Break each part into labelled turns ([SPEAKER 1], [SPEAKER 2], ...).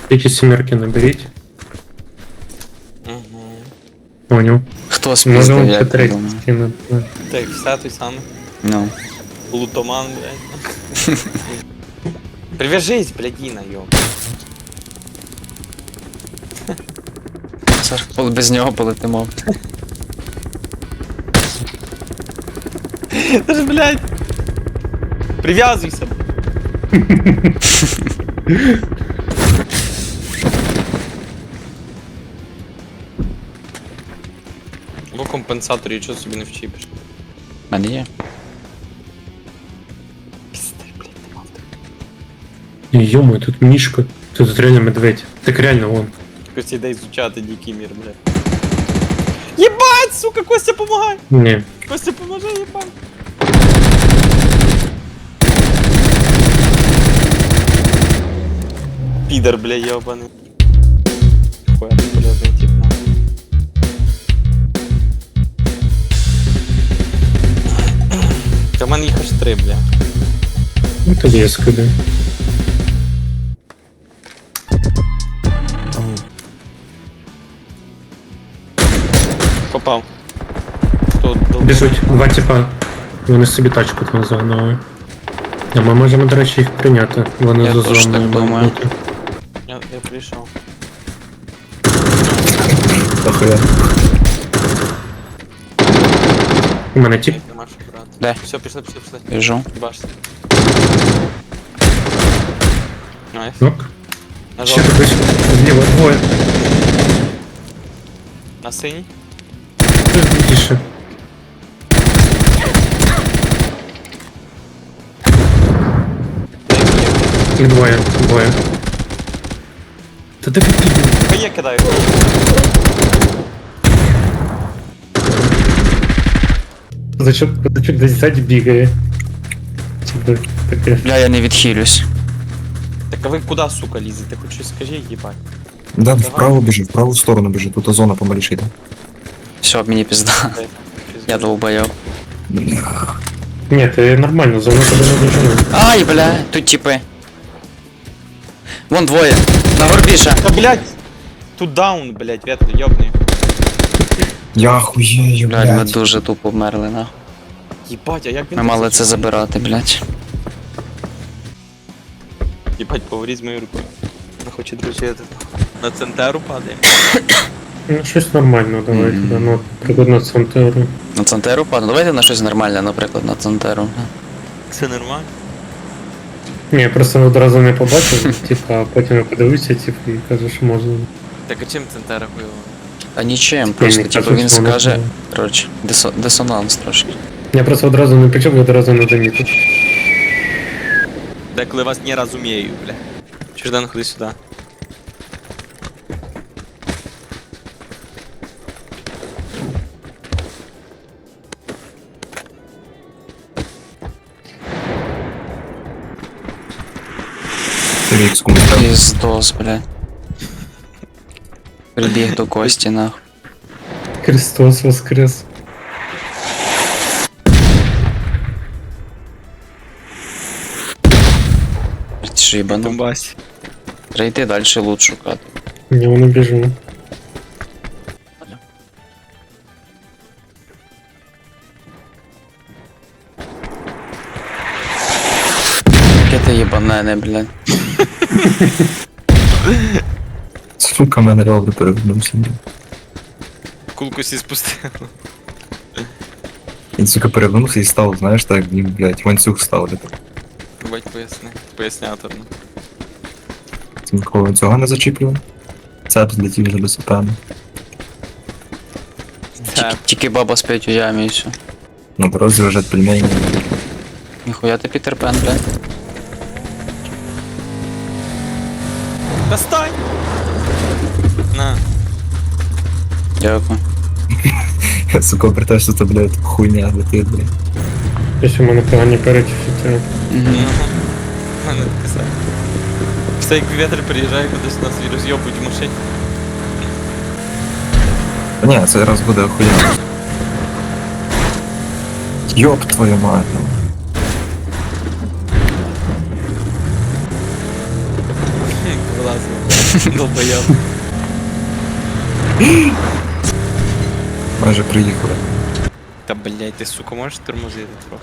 [SPEAKER 1] Эти семерки наберите.
[SPEAKER 2] Угу.
[SPEAKER 1] Понял.
[SPEAKER 3] Хто
[SPEAKER 1] Може
[SPEAKER 3] спіздив,
[SPEAKER 1] он
[SPEAKER 3] як
[SPEAKER 1] ще
[SPEAKER 3] ти
[SPEAKER 1] третій
[SPEAKER 3] думаєш?
[SPEAKER 1] скине. Да.
[SPEAKER 2] Так, все той самий.
[SPEAKER 3] Ну.
[SPEAKER 2] Лутоман, блядь. Привяжись, блядина, йо.
[SPEAKER 3] Зараз без нього полетимо.
[SPEAKER 2] Ти ж, блядь. Прив'язуйся. Бо компенсаторів чого собі не вчіпиш?
[SPEAKER 3] В мене є.
[SPEAKER 2] Пізди, блядь, нема.
[SPEAKER 1] Ё-моё, тут Мишка. Тут реально медведь. Так реально он.
[SPEAKER 2] Костя, йде изучати дикий мир, блядь. Єбать, сука, Костя, помагай!
[SPEAKER 1] Не.
[SPEAKER 2] Костя, поможи, єбать! Підер, бля, єбаний. Хуя, полезний тип, на. Та в мене їх аж 3, бля.
[SPEAKER 1] Ну тоді я скиду.
[SPEAKER 2] Попав. Хто
[SPEAKER 1] Біжуть два типа. Вони собі тачку там загнали. А ми можемо, до речі, їх прийняти. Вони
[SPEAKER 3] Я
[SPEAKER 1] за
[SPEAKER 3] теж
[SPEAKER 1] зоною
[SPEAKER 3] так думаю.
[SPEAKER 1] мають бути.
[SPEAKER 2] Я прийшов.
[SPEAKER 4] Дохуя.
[SPEAKER 1] У мене тип.
[SPEAKER 2] Нема що брати.
[SPEAKER 3] Де?
[SPEAKER 2] Все, пішли.
[SPEAKER 3] Біжу.
[SPEAKER 2] Бачите. Найс.
[SPEAKER 1] Нок.
[SPEAKER 2] На
[SPEAKER 1] Ще
[SPEAKER 2] жовтий.
[SPEAKER 1] хтось. Зліва двоє.
[SPEAKER 2] На синій.
[SPEAKER 1] Тут більше. Їх двоє. Двоє. Та де ви підійдете?
[SPEAKER 2] Я кидаю.
[SPEAKER 1] Зачок десь ззаді бігає. Типа таке.
[SPEAKER 3] Бля, я не відхилюсь.
[SPEAKER 2] Так а ви куди, сука, лізете? Хоч щось скажи, їбать.
[SPEAKER 4] Да, вправо біжи, в праву сторону біжи, тут зона помаліше йде.
[SPEAKER 3] Все, мені пізда. Я долбойоб.
[SPEAKER 4] Бля.
[SPEAKER 1] Ні, ти нормально, зону тебе не дожене.
[SPEAKER 3] Ай, бля, тут типи. Вон двоє. На горбіша.
[SPEAKER 2] Та, блядь! Тут даун, блядь, ветка, ёбни.
[SPEAKER 4] Я хуєю,
[SPEAKER 3] Блядь, ми
[SPEAKER 4] блядь.
[SPEAKER 3] дуже тупо вмерли, на.
[SPEAKER 2] Їбать, а як він...
[SPEAKER 3] Ми мали це забирати, блядь.
[SPEAKER 2] Їбать, поговори з моєю рукою. Вона хоче дружити. На центеру падає.
[SPEAKER 1] Ну, щось нормально, давайте,
[SPEAKER 3] Мгм.
[SPEAKER 1] да, ну, приклад на центру.
[SPEAKER 3] На центеру падно. Давайте на щось нормальне, наприклад, на центеру.
[SPEAKER 2] Це нормально?
[SPEAKER 1] Ні, я просто одразу не побачив, типа, а потім я подивився, типу, і кажу, що можна.
[SPEAKER 2] Так а чим центера хуйово?
[SPEAKER 3] А нічим, просто
[SPEAKER 1] не
[SPEAKER 3] типу
[SPEAKER 1] кажу,
[SPEAKER 3] він
[SPEAKER 1] що воно
[SPEAKER 3] скаже.
[SPEAKER 1] було.
[SPEAKER 3] Коротше, дисонанс трошки.
[SPEAKER 1] Я просто одразу не почув, я одразу не замітив.
[SPEAKER 2] Деколи вас не розумію, бля. Чуждан, ходи сюди.
[SPEAKER 4] Рікс комусь там.
[SPEAKER 3] Піздос, бля. Прибіг до Кості, нахуй.
[SPEAKER 1] Христос воскрес.
[SPEAKER 3] Шибано.
[SPEAKER 2] Донбасі.
[SPEAKER 3] Треба йти далі лут шукати.
[SPEAKER 1] Ні, вони біжу.
[SPEAKER 3] Яке ти їбанене, блядь.
[SPEAKER 4] Сука, мене реально перевернувся.
[SPEAKER 2] Кулку сі спустили.
[SPEAKER 4] Він, сука, перевернувся і став, знаєш, так, він, блядь, ланцюг ставити.
[SPEAKER 2] Бать, поясни. Поясняторно.
[SPEAKER 4] Це нікого ланцюга не зачіплював. Цеп злетів вже до сапена.
[SPEAKER 3] Тільки баба спить у ямі і все.
[SPEAKER 4] На дорозі лежать пельмені.
[SPEAKER 3] Ніхуя ти Пітер Пен, блядь.
[SPEAKER 2] Достань! На.
[SPEAKER 3] Дякую.
[SPEAKER 4] Сука, обертаєш, що це, блядь, хуйня летить, блядь.
[SPEAKER 1] Якщо в мене погані перечуття.
[SPEAKER 3] Угу.
[SPEAKER 2] Мене таке саме. Все як вітер приїжджає кудись нас і роз'єбують в машині.
[SPEAKER 4] Та ні, це раз буде охуєнно. Йоп твою мать. ну.
[SPEAKER 2] Вилазимо. Долбоєб.
[SPEAKER 4] Майже приїхали.
[SPEAKER 2] Та блять, ти сука, можеш тормозити трохи?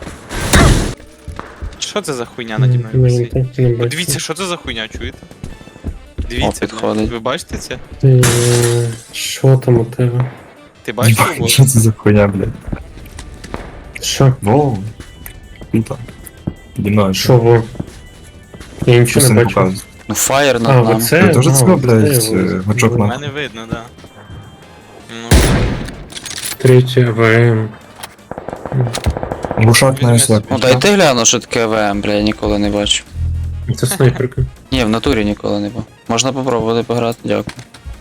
[SPEAKER 2] Що це за хуйня наді мною висить?
[SPEAKER 1] Не
[SPEAKER 2] От
[SPEAKER 1] бачу.
[SPEAKER 2] дивіться, що це за хуйня, чуєте? Дивіться,
[SPEAKER 3] підходить.
[SPEAKER 2] ви бачите це?
[SPEAKER 1] Що там у тебе?
[SPEAKER 2] Ти бачиш
[SPEAKER 4] Єбать,
[SPEAKER 2] його?
[SPEAKER 4] що це за хуйня, блядь?
[SPEAKER 1] Що?
[SPEAKER 4] Воу. Круто. Піді мною.
[SPEAKER 1] Що во? Я нічого
[SPEAKER 4] Щось
[SPEAKER 1] не
[SPEAKER 4] не
[SPEAKER 1] бачу.
[SPEAKER 4] показує.
[SPEAKER 3] Ну фаєр
[SPEAKER 1] А,
[SPEAKER 3] над нами.
[SPEAKER 1] оце?
[SPEAKER 4] Ви теж
[SPEAKER 1] А,
[SPEAKER 4] це, блядь,
[SPEAKER 1] оце його.
[SPEAKER 4] гачок
[SPEAKER 2] У
[SPEAKER 4] на-
[SPEAKER 2] мене видно, да. Ну,
[SPEAKER 1] Третє АВМ.
[SPEAKER 4] Глушак на СВ.
[SPEAKER 3] Ну дайте гляну, що таке ВМ, бля, я ніколи не бачу.
[SPEAKER 1] Це снайперка.
[SPEAKER 3] Ні, в натурі ніколи не був. Можна попробувати пограти, дякую.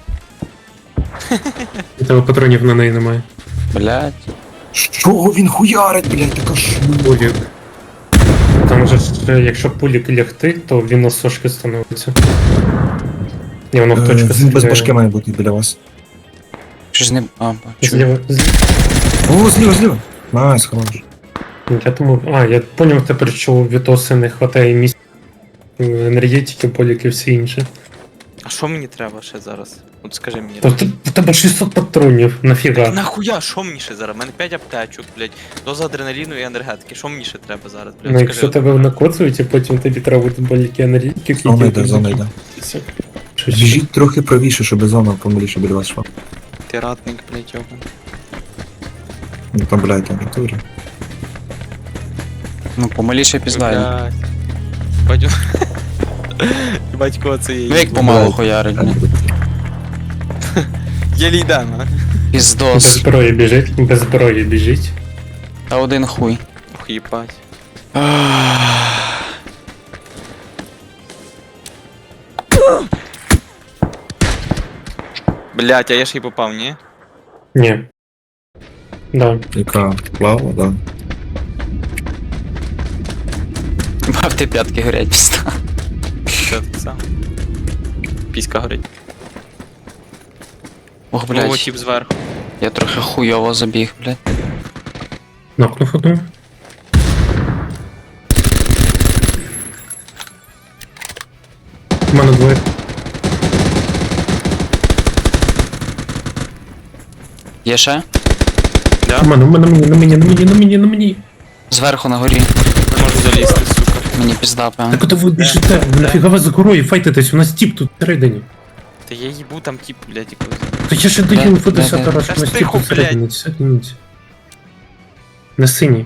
[SPEAKER 1] У тебе патронів на неї немає.
[SPEAKER 3] Блять.
[SPEAKER 4] Що він хуярить, блядь, така ж.
[SPEAKER 1] Пулік. Там же ж, якщо пулік лягти, то він на сошки становиться. І воно в точку
[SPEAKER 4] Він без
[SPEAKER 1] стріляє.
[SPEAKER 4] башки має бути біля вас.
[SPEAKER 3] Щось не. А, бачу.
[SPEAKER 1] Зліва,
[SPEAKER 4] О, зліва. Найс, хорош.
[SPEAKER 1] Я думав, я поняв тепер, що у Вітоси не вистачає місця енергетики, поліки і все інше.
[SPEAKER 2] а що мені треба ще зараз? От скажи мені.
[SPEAKER 1] То в тебе 600 патронів, нафіга?
[SPEAKER 2] Нахуя, що мені ще зараз? У мене 5 аптечок, блядь, доза адреналіну і енергетики. Що мені ще треба зараз, блядь?
[SPEAKER 1] Ну, якщо тебе накоцують, і потім тобі треба буде боліки енергетики,
[SPEAKER 4] Зона йде, зона йде.
[SPEAKER 1] Що ще?
[SPEAKER 4] Біжіть трохи правіше, щоб зона помиліше біля вас йшла.
[SPEAKER 2] Ти ратник, блядь, йобан.
[SPEAKER 4] Ну там, блядь, там натурі.
[SPEAKER 3] Ну, помаліше пізнаю.
[SPEAKER 2] Блядь. Батю. Батько це є.
[SPEAKER 3] Ну як помалу хуярить, бля.
[SPEAKER 2] Єлі йде, на.
[SPEAKER 1] Без
[SPEAKER 3] Піздос.
[SPEAKER 1] зброї біжить, без зброї біжить.
[SPEAKER 3] Та один хуй.
[SPEAKER 2] Ох, їбать. Блядь, а я ще й попав, ні?
[SPEAKER 1] Ні. Да.
[SPEAKER 4] Яка лава, да.
[SPEAKER 3] Бав ти п'ятки горять пізда.
[SPEAKER 2] Що так само? Піська горить.
[SPEAKER 3] Ох,
[SPEAKER 2] О,
[SPEAKER 3] блядь.
[SPEAKER 2] тіп зверху.
[SPEAKER 3] Я трохи хуйово забіг, блядь.
[SPEAKER 1] Нокнув одну. У мене двоє.
[SPEAKER 3] Є ще?
[SPEAKER 2] Да?
[SPEAKER 1] У мене, на мені.
[SPEAKER 3] Зверху на горі.
[SPEAKER 2] Не можу залізти, сука.
[SPEAKER 3] Мені пізда, певно.
[SPEAKER 1] Так куди ви біжите? Нафіга ви за горою файтитесь? У нас тіп тут всередині.
[SPEAKER 2] Та я їбу там тіп, блядь, якось.
[SPEAKER 1] Та я ще даю
[SPEAKER 3] Де?
[SPEAKER 1] інфу
[SPEAKER 3] Де?
[SPEAKER 1] 10 раз,
[SPEAKER 2] Та
[SPEAKER 1] що у нас тіп
[SPEAKER 2] тихо,
[SPEAKER 1] тут всередині. Сидіть. На синій.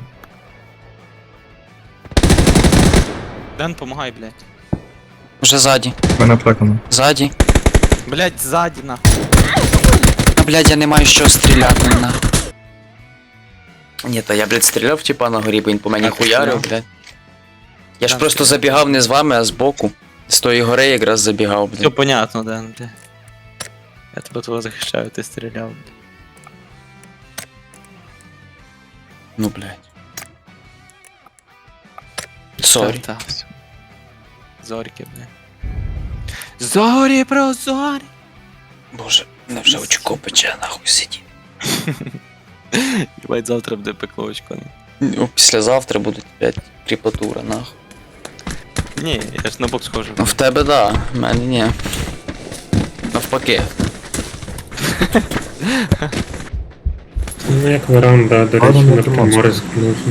[SPEAKER 2] Ден, помагай, блядь.
[SPEAKER 3] Вже ззаді.
[SPEAKER 4] Мене аптека.
[SPEAKER 3] Ззаді.
[SPEAKER 2] Блядь, ззаді, нахуй.
[SPEAKER 3] А, блядь, я не маю що стріляти, на. Ні, та я, блядь, стріляв типа на горі, бо він по мені
[SPEAKER 2] А, ти
[SPEAKER 3] хуярив,
[SPEAKER 2] стріляв?
[SPEAKER 3] блядь. Я ж
[SPEAKER 2] Там
[SPEAKER 3] просто
[SPEAKER 2] стріляв.
[SPEAKER 3] забігав не з вами, а з боку. З тої гори якраз забігав,
[SPEAKER 2] Все
[SPEAKER 3] блядь.
[SPEAKER 2] понятно, Ден, блядь. Я тебе того захищаю, ти стріляв, блядь.
[SPEAKER 3] Ну, блядь. Сорі.
[SPEAKER 2] Та, все. Зорьки, блядь. Зорі про зорі.
[SPEAKER 3] Боже, мене вже очко пече, нахуй сидіть.
[SPEAKER 2] Їбать, завтра буде пекло очко.
[SPEAKER 3] Ну, післязавтра буде опять кріпатура, нахуй.
[SPEAKER 2] Ні, я ж на бок схожу.
[SPEAKER 3] Ну в тебе да, в мене ні. Навпаки.
[SPEAKER 1] Ну як веранда, до речі,
[SPEAKER 4] Ладно,
[SPEAKER 1] на
[SPEAKER 4] ну,
[SPEAKER 1] Приморську.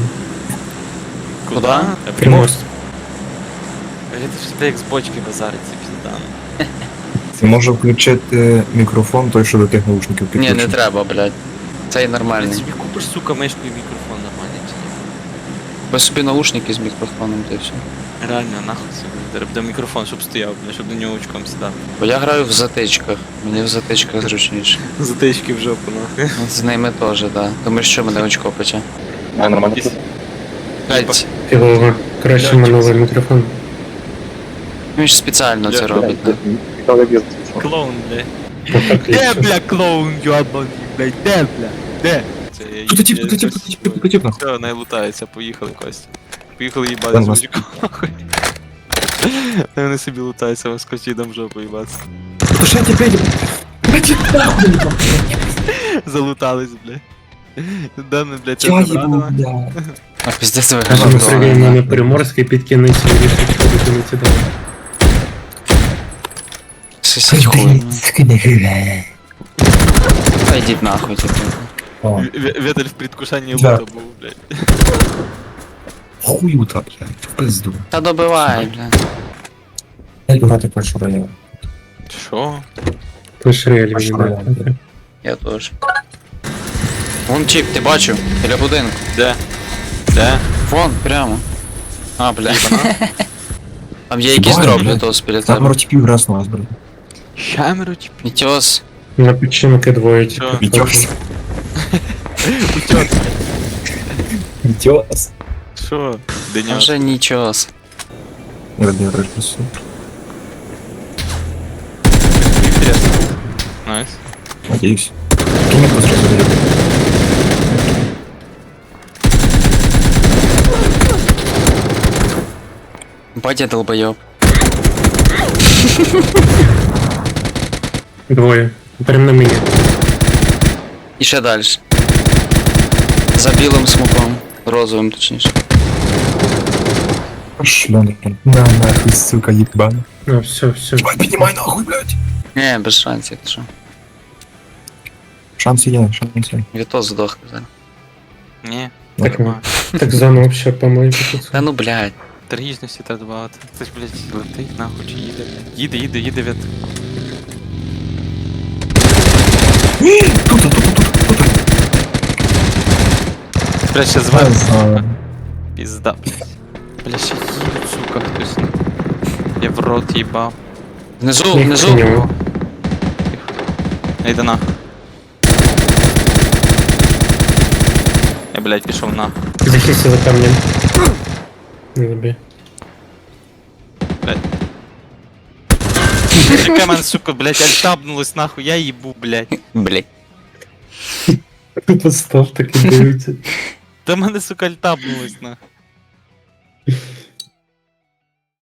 [SPEAKER 3] Куди?
[SPEAKER 2] Та
[SPEAKER 1] Приморськ.
[SPEAKER 2] Блядь, ти ж як з бочки базариться, пізда.
[SPEAKER 4] Ти може включити мікрофон, той, що до тих наушників
[SPEAKER 3] Ні,
[SPEAKER 4] підключений.
[SPEAKER 3] не треба, блядь. Цей
[SPEAKER 2] Ти
[SPEAKER 3] нормальний.
[SPEAKER 2] собі купиш, сука, мишку і мікрофон нормальний чи ні?
[SPEAKER 3] Ви собі наушники з мікрофоном та й все.
[SPEAKER 2] Реально, нахуй собі. Треба буде мікрофон, щоб стояв, блядь, щоб до нього очком сідав.
[SPEAKER 3] Бо я граю в затичках. Мені в затичках зручніше.
[SPEAKER 2] Затички в жопу, нахуй.
[SPEAKER 3] От з ними теж, да. Тому що мене очко пече.
[SPEAKER 4] А, нормально.
[SPEAKER 3] Блядь,
[SPEAKER 1] Фігово. Краще минулий мікрофон.
[SPEAKER 3] він ж спеціально це робить. да.
[SPEAKER 2] Клоун, блядь.
[SPEAKER 1] Отак
[SPEAKER 2] Де,
[SPEAKER 1] ліпше.
[SPEAKER 2] бля, клоун, йобаний, блядь, де, бля, де? Це я
[SPEAKER 4] Тут тип, тут тип, тут тип, нахуй.
[SPEAKER 2] Все, найлутаються, поїхали, Костя. Поїхали їбати
[SPEAKER 4] Там
[SPEAKER 2] з
[SPEAKER 4] нас-
[SPEAKER 2] мужиком, нахуй. Вони собі лутаються, ви з Костідом в жопу їбаться.
[SPEAKER 4] То що я тебе...
[SPEAKER 2] Залутались, блядь. Дане, блядь,
[SPEAKER 4] Я
[SPEAKER 2] це
[SPEAKER 4] їбу,
[SPEAKER 2] забрано.
[SPEAKER 4] бля.
[SPEAKER 3] А пиздець
[SPEAKER 1] Кажемо, Сергій,
[SPEAKER 3] вигадав.
[SPEAKER 1] мене Приморський під кінець вирішив, що виконати далі.
[SPEAKER 3] Щось хуй. Та йдіть нахуй, типу.
[SPEAKER 4] О,
[SPEAKER 2] Ветель в предвкушении
[SPEAKER 4] Да.
[SPEAKER 2] лута був, блядь.
[SPEAKER 4] хуюта, блядь, в пизду.
[SPEAKER 3] Та добивай, бля.
[SPEAKER 4] Я грати першу район.
[SPEAKER 2] Що?
[SPEAKER 1] Лише реаль
[SPEAKER 4] А що
[SPEAKER 1] мені
[SPEAKER 4] я?
[SPEAKER 1] дає.
[SPEAKER 3] Я теж. Вон чіп, ти бачив? Біля будинку.
[SPEAKER 2] Де? Де?
[SPEAKER 3] Вон, прямо. А, бля. Там є якийсь
[SPEAKER 4] Бай,
[SPEAKER 3] дроп
[SPEAKER 4] блядь.
[SPEAKER 3] літос біля
[SPEAKER 4] Там
[SPEAKER 3] тебе.
[SPEAKER 4] ротіпів раз нас, блядь.
[SPEAKER 2] Щамеру, типу.
[SPEAKER 3] Мітьос.
[SPEAKER 1] На печінки двоє типу.
[SPEAKER 2] Що?
[SPEAKER 4] Вітьос.
[SPEAKER 2] Утьот.
[SPEAKER 4] Вітьос.
[SPEAKER 2] Що?
[SPEAKER 3] Там
[SPEAKER 2] Деньок.
[SPEAKER 3] вже нічого.
[SPEAKER 4] Родний режисер.
[SPEAKER 2] Інтересно. Найс.
[SPEAKER 4] Надеюсь. Кинь его сразу берет.
[SPEAKER 3] Батя долбойоб.
[SPEAKER 1] Двоє. Прям на мені.
[SPEAKER 3] І ще далі. За білим смоком. Розовим, точніше.
[SPEAKER 4] Шлёный. На нахуй, сука, ебан.
[SPEAKER 1] А, все.
[SPEAKER 4] Ебать, поднимай нахуй, блядь.
[SPEAKER 3] Не, без шансів, ти що.
[SPEAKER 4] Шансы есть, шансы есть.
[SPEAKER 3] Вітос здох зараз.
[SPEAKER 2] Ні.
[SPEAKER 1] Так,
[SPEAKER 2] Нема.
[SPEAKER 1] Так заново вообще помойку тут.
[SPEAKER 3] Та ну блядь.
[SPEAKER 2] Трагічності так багато. Хтось, блядь, летить нахуй чи їде, блядь. Їде від.
[SPEAKER 4] Тут.
[SPEAKER 2] Блядь, ще зверху. Пізда. Бля, ще їдуть, сука, хтось. Я в рот їбав.
[SPEAKER 3] Внизу,
[SPEAKER 1] Ні,
[SPEAKER 3] внизу.
[SPEAKER 1] ні.
[SPEAKER 2] Я йду нахуй. Я, блядь, пішов нахуй.
[SPEAKER 1] Захисти за камнем. Не забей.
[SPEAKER 2] Блядь. Яка мене, сука, блядь, альтабнулась нахуй, я їбу, блядь.
[SPEAKER 3] Блядь.
[SPEAKER 1] Постав таки дивиться.
[SPEAKER 2] Та мене, сука, альтабнулась нахуй.